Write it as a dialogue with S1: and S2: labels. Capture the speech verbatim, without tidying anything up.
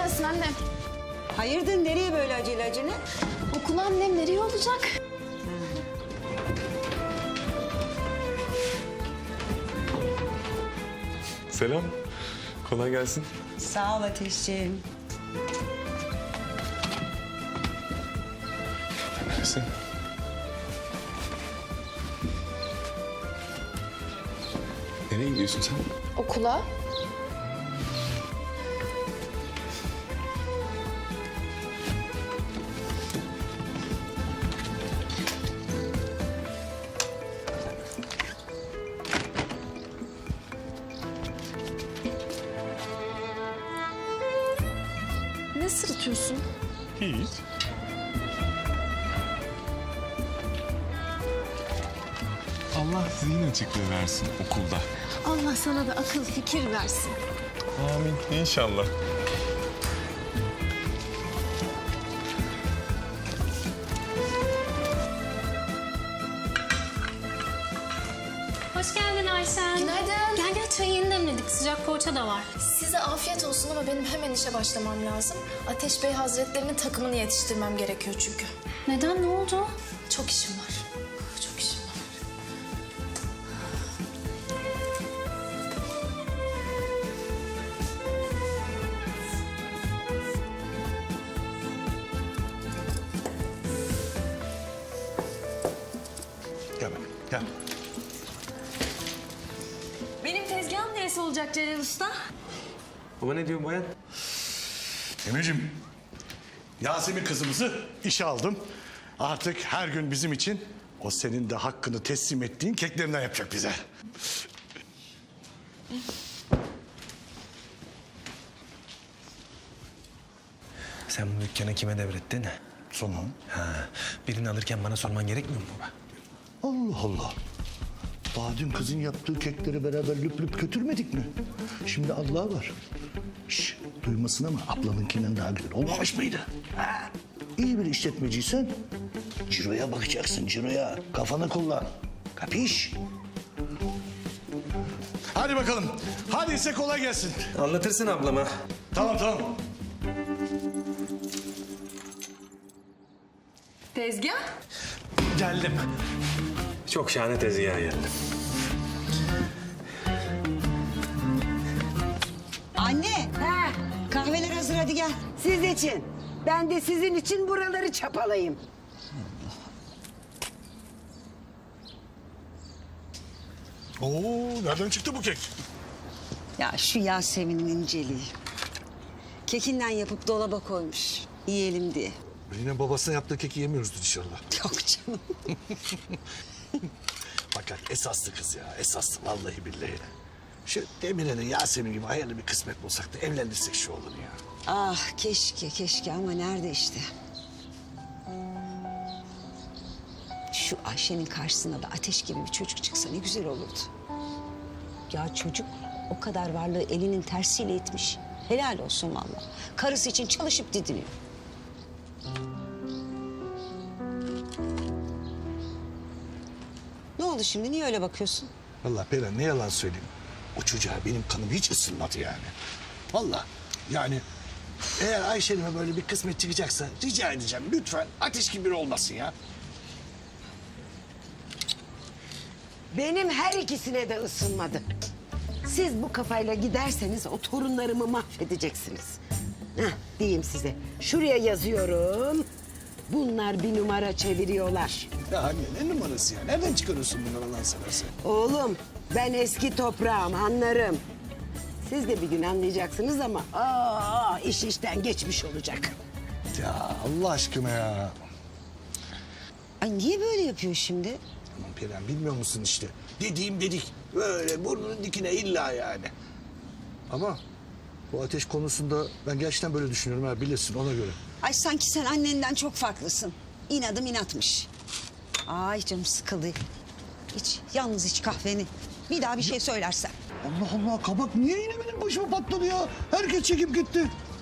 S1: gelsin annem.
S2: Hayırdır, nereye böyle acele acele?
S1: Okula annem, nereye olacak?
S3: Selam. Kolay gelsin.
S2: Sağ ol Ateşciğim.
S3: Neredesin? Nereye gidiyorsun sen?
S1: Okula. Ne sırıtıyorsun?
S3: Hiç. Allah zihin açıklığı versin okulda.
S1: Allah sana da akıl fikir versin.
S3: Amin. İnşallah.
S4: Hoş geldin Ayşen.
S1: Günaydın.
S4: Gel gel, çayı yeni demledik. Sıcak poğaça da var.
S1: Size afiyet olsun ama benim hemen işe başlamam lazım. Ateş Bey Hazretlerinin takımını yetiştirmem gerekiyor çünkü.
S4: Neden, ne oldu?
S1: Çok işim var. Çok işim var.
S5: Gel bak, gel.
S4: Benim tezgahım neresi olacak Celal Usta?
S6: Baba ne diyor bayan?
S5: Emir'cim, Yasemin kızımızı işe aldım. Artık her gün bizim için o senin de hakkını teslim ettiğin keklerinden yapacak bize.
S6: Sen bu dükkanı kime devrettin?
S5: Sonra?
S6: Ha, birini alırken bana sorman gerekmiyor mu baba?
S5: Allah Allah. Daha dün kızın yaptığı kekleri beraber lüp lüp götürmedik mi? Şimdi Allah var. Şş, duymasın ama ablanınkinden daha güzel olmamış mıydı? Ha? İyi bir işletmeciysen ciroya bakacaksın, ciroya. Kafanı kullan. Kapiş? Hadi bakalım. Hadi ise kolay gelsin.
S6: Anlatırsın ablama.
S5: Tamam tamam.
S1: Tezgah?
S6: Geldim. Çok şahane tezgaha geldim.
S2: Anne, ha, kahveler hazır, hadi gel.
S7: Siz için. Ben de sizin için buraları çapalayayım.
S5: Oo, nereden çıktı bu kek?
S2: Ya şu Yasemin'in inceliği. Kekinden yapıp dolaba koymuş. Yiyelim diye.
S5: Yine babasına yaptığı keki yemiyoruzdur inşallah.
S2: Yok canım.
S5: Fakat esaslı kız ya, esaslı vallahi billahi. Şu Demirel'in Yasemin gibi hayırlı bir kısmet bulsak da evlendirsek şu oğlunu ya.
S2: Ah keşke, keşke ama nerede işte. Şu Ayşe'nin karşısına da Ateş gibi bir çocuk çıksa ne güzel olurdu. Ya çocuk o kadar varlığı elinin tersiyle itmiş. Helal olsun vallahi. Karısı için çalışıp didiniyor. Ne oldu şimdi? Niye öyle bakıyorsun?
S5: Vallahi Peren ne yalan söyleyeyim. O çocuğa benim kanım hiç ısınmadı yani. Vallahi yani eğer Ayşe'nime böyle bir kısmet çıkacaksa rica edeceğim lütfen Ateş gibi biri olmasın ya.
S7: Benim her ikisine de ısınmadı. Siz bu kafayla giderseniz o torunlarımı mahvedeceksiniz. Heh, diyeyim size. Şuraya yazıyorum. Bunlar bir numara çeviriyorlar.
S5: Ya anne ne numarası ya? Nereden çıkarıyorsun bunları Allah'ını seversen?
S7: Oğlum ben eski toprağım anlarım. Siz de bir gün anlayacaksınız ama aa, iş işten geçmiş olacak.
S5: Ya Allah aşkına ya.
S2: Ay niye böyle yapıyor şimdi?
S5: Aman Peren bilmiyor musun işte? Dediğim dedik. Böyle burnunun dikine illa yani. Ama bu Ateş konusunda ben gerçekten böyle düşünüyorum ha bilirsin ona göre.
S2: Ay sanki sen annenden çok farklısın. İnadım inatmış. Ay canım sıkıldı. İç, yalnız iç kahveni. Bir daha bir şey söylersen.
S5: Allah Allah kabak niye yine benim başıma patladı ya? Herkes çekip gitti.